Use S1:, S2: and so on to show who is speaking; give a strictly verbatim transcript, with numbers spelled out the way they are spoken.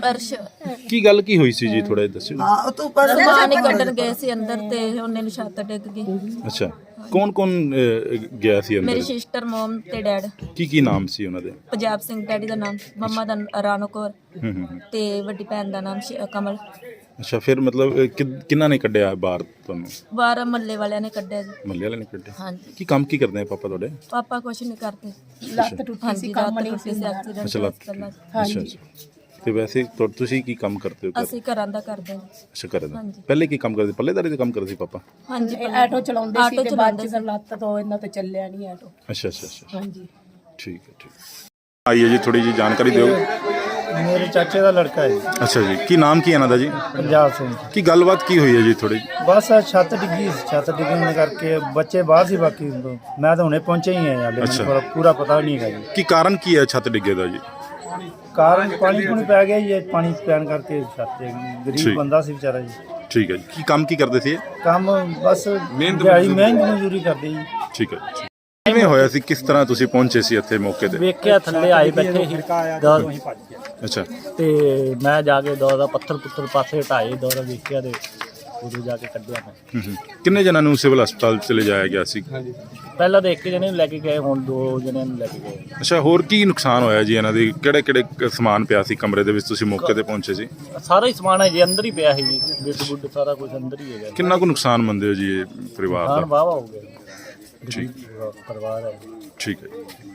S1: ਅਰਸ਼
S2: ਕੀ ਗੱਲ ਕੀ ਹੋਈ ਸੀ ਜੀ, ਥੋੜਾ ਜਿਹਾ ਦੱਸਿਓ।
S1: ਸਮਾਨ ਹੀ ਕੱਢਣ ਗਏ ਸੀ ਅੰਦਰ ਤੇ ਉਹਨੇ ਨੂੰ ਛੱਤ ਡਿੱਗ ਗਈ।
S2: ਅੱਛਾ, ਕੌਣ ਕੌਣ ਗਿਆ ਸੀ
S1: ਮੇਰੀ
S2: ਅੰਦਰ?
S1: ਸਿਸਟਰ, ਮਮ ਤੇ ਡੈਡ।
S2: ਕੀ ਕੀ ਨਾਮ ਸੀ ਉਹਨਾਂ ਦੇ?
S1: ਪੰਜਾਬ ਸਿੰਘ ਡੈਡੀ ਦਾ ਨਾਮ, ਮੰਮਾ ਦਾ ਰਾਣੋ ਕੌਰ
S2: ਹੂੰ ਹੂੰ।
S1: ਤੇ ਵੱਡੀ ਭੈਣ ਦਾ ਨਾਮ ਸ਼ਿ- ਕਮਲ।
S2: ਅੱਛਾ, ਫਿਰ ਮਤਲਬ ਅਹ, ਕਿ- ਕਿਹਨਾਂ ਨੇ ਕੱਢਿਆ ਬਾਹਰ ਤੁਹਾਨੂੰ?
S1: ਬਾਹਰ ਮੱਲੇ ਵਾਲਿਆਂ ਨੇ ਕੱਢਿਆ ਜੀ।
S2: ਮੱਲੇ ਵਾਲੇ ਨੇ ਕੱਢਿਆ?
S1: ਹਾਂਜੀ,
S2: ਕੀ ਕੰਮ ਕੀ ਕਰਦੇ ਆ ਪਾਪਾ ਤੁਹਾਡੇ?
S1: ਪਾਪਾ ਕੁਛ ਨਹੀਂ ਕਰਦੇ।
S3: ਲੱਤ ਟੁੱਟੀ
S1: ਹਾਂਜੀ,
S3: ਸੀ,
S1: ਰਾਤ
S3: ਕੰਮ ਨਹੀਂ
S1: ਟੁੱਟੀ
S3: ਸੀ
S1: ਸੀ,
S3: ਹੁੰਦਾ।
S1: ਐਕਸੀਡੈਂਟ
S2: ਅੱਛਾ, ਲੱਤ
S1: ਪਹਿਲਾਂ।
S2: ਅੱਛਾ ਅੱਛਾ। ਤੇ ਵੈਸੇ ਤੁ- ਤੁਸੀਂ ਕੀ ਕੰਮ ਕਰਦੇ ਹੋ ਘਰ?
S1: ਅਸੀਂ ਘਰਾਂ ਦਾ ਕਰਦੇ ਹਾਂ।
S2: ਅੱਛਾ, ਕਰਦੇ
S1: ਹਾਂਜੀ।
S2: ਪਹਿਲੇ ਕੀ ਕੰਮ ਕਰਦੇ? ਪੱਲੇਦਾਰੀ ਦਾ ਕੰਮ ਕਰਦੇ ਸੀ ਪਾਪਾ?
S1: ਹਾਂਜੀ,
S3: ਇਹ ਆਟੋ ਚਲਾਉਂਦੇ ਸੀ
S1: ਆਟੋ
S3: ਤੇ ਬਾਅਦ
S1: ਚਲਾਉਂਦੇ
S3: ਚ ਫਿਰ ਲੱਤ ਤੋਂ ਇਹਨਾਂ ਤੇ ਚੱਲਿਆ ਨਹੀਂ ਆਟੋ।
S2: ਅੱਛਾ ਅੱਛਾ ਅੱਛਾ,
S3: ਹਾਂਜੀ,
S2: ਠੀਕ ਹੈ ਠੀਕ ਹੈ। ਆਈਏ ਜੀ, ਥੋੜੀ ਜੀ ਜਾਣਕਾਰੀ ਦਿਓ।
S4: ਮੇਰੇ ਚਾਚੇ ਦਾ ਲੜਕਾ ਹੈ ਜੀ,
S2: ਅੱਛਾ ਜੀ, ਕੀ ਨਾਮ ਕੀ ਹੈ ਇਹਨਾਂ ਦਾ ਜੀ?
S4: ਪੰਜਾਬ ਸਿੰਘ।
S2: ਕੀ ਗੱਲਬਾਤ ਕੀ ਹੋਈ ਹੈ ਜੀ ਥੋੜੀ?
S4: ਬਸ ਆਹ ਛੱਤ ਡਿੱਗੀ ਸੀ, ਛੱਤ ਡਿੱਗਣ ਕਰਕੇ ਬੱਚੇ ਬਾਹਰ ਸੀ, ਬਾਕੀ ਮੈਂ ਤਾਂ ਹੁਣੇ ਪਹੁੰਚਿਆ ਹੀ ਹਾਂ ਹਾਲੇ,
S2: ਅੱਛਾ।
S4: ਮੈਨੂੰ ਪੂਰਾ- ਪੂਰਾ ਪਤਾ ਨਹੀਂ ਹੈਗਾ ਜੀ।
S2: ਕੀ ਕਾਰਨ ਕੀ ਹੈ ਛੱਤ ਡਿੱਗੇ ਦਾ ਜੀ?
S4: ਕਾਰਨ ਪਾਣੀ ਪੂਣੀ ਪੈ ਗਿਆ ਜੀ, ਇਹ ਪਾਣੀ ਪੈਣ ਕਰਕੇ ਛੱਤ ਤੇ
S2: ਠੀਕ।
S4: ਗਰੀਬ ਬੰਦਾ ਸੀ ਵਿਚਾਰਾ ਜੀ।
S2: ਠੀਕ ਹੈ ਜੀ, ਕੀ ਕੰਮ ਕੀ ਕਰਦੇ ਸੀ ਇਹ?
S4: ਕੰਮ ਬਸ ਦਿਹਾੜੀ ਮਿਹਨਤ ਮਜ਼ਦੂਰੀ ਕਰਦੇ ਜੀ।
S2: ਠੀਕ ਹੈ ਜੀ। ਕਿਵੇਂ ਹੋਇਆ ਸੀ, ਕਿਸ ਤਰ੍ਹਾਂ ਤੁਸੀਂ ਪਹੁੰਚੇ ਸੀ ਇੱਥੇ ਮੌਕੇ ਤੇ?
S4: ਵੇਖਿਆ ਥੱਲੇ ਆਏ ਬੈਠੇ ਸੀ ਦੌਰ,
S2: ਅੱਛਾ
S4: ਤੇ ਮੈਂ ਜਾ ਕੇ ਦੌਰ ਦਾ ਪੱਥਰ ਪੁੱਤਰ ਪਾਸੇ ਹਟਾਏ, ਦੌਰ ਵੇਖਿਆ ਤੇ ਉਦੋਂ ਜਾ ਕੇ ਕੱਢਿਆ ਮੈਂ।
S2: ਹੂੰ ਹੂੰ। ਕਿੰਨੇ ਜਣਾਂ ਨੂੰ ਸਿਵਲ ਹਸਪਤਾਲ ਚ ਲਿਜਾਇਆ ਗਿਆ ਸੀ?
S4: ਪਹਿਲਾਂ ਤਾਂ ਇੱਕ ਜਣੇ ਨੂੰ ਲੈ ਕੇ ਗਏ, ਹੁਣ ਦੋ ਜਣਿਆਂ ਨੂੰ ਲੈ ਕੇ ਗਏ।
S2: ਅੱਛਾ, ਹੋਰ ਕੀ ਨੁਕਸਾਨ ਹੋਇਆ ਜੀ ਇਹਨਾਂ ਦੀ? ਕਿਹੜੇ ਕਿਹੜੇ ਸਮਾਨ ਪਿਆ ਸੀ ਕਮਰੇ ਦੇ ਵਿੱਚ, ਤੁਸੀਂ ਮੌਕੇ ਤੇ ਪਹੁੰਚੇ ਸੀ?
S4: ਸਾਰਾ ਹੀ ਸਮਾਨ ਹੈ ਜੀ ਅੰਦਰ ਹੀ ਪਿਆ ਸੀ ਜੀ, ਬਿੱਡ ਬੁੱਡ ਸਾਰਾ ਕੁਝ ਅੰਦਰ ਹੀ ਹੈਗਾ।
S2: ਕਿੰਨਾ ਕੁ ਨੁਕਸਾਨ ਮੰਨਦੇ ਹੋ ਜੀ ਇਹ ਪਰਿਵਾਰ
S4: ਨੁਕਸਾਨ
S2: ਦਾ?
S4: ਵਾਹਵਾ ਹੋ ਗਿਆ,
S2: ਠੀਕ
S4: ਗਰੀਬ ਪਰਿਵਾਰ ਹੈ।
S2: ਠੀਕ ਹੈ।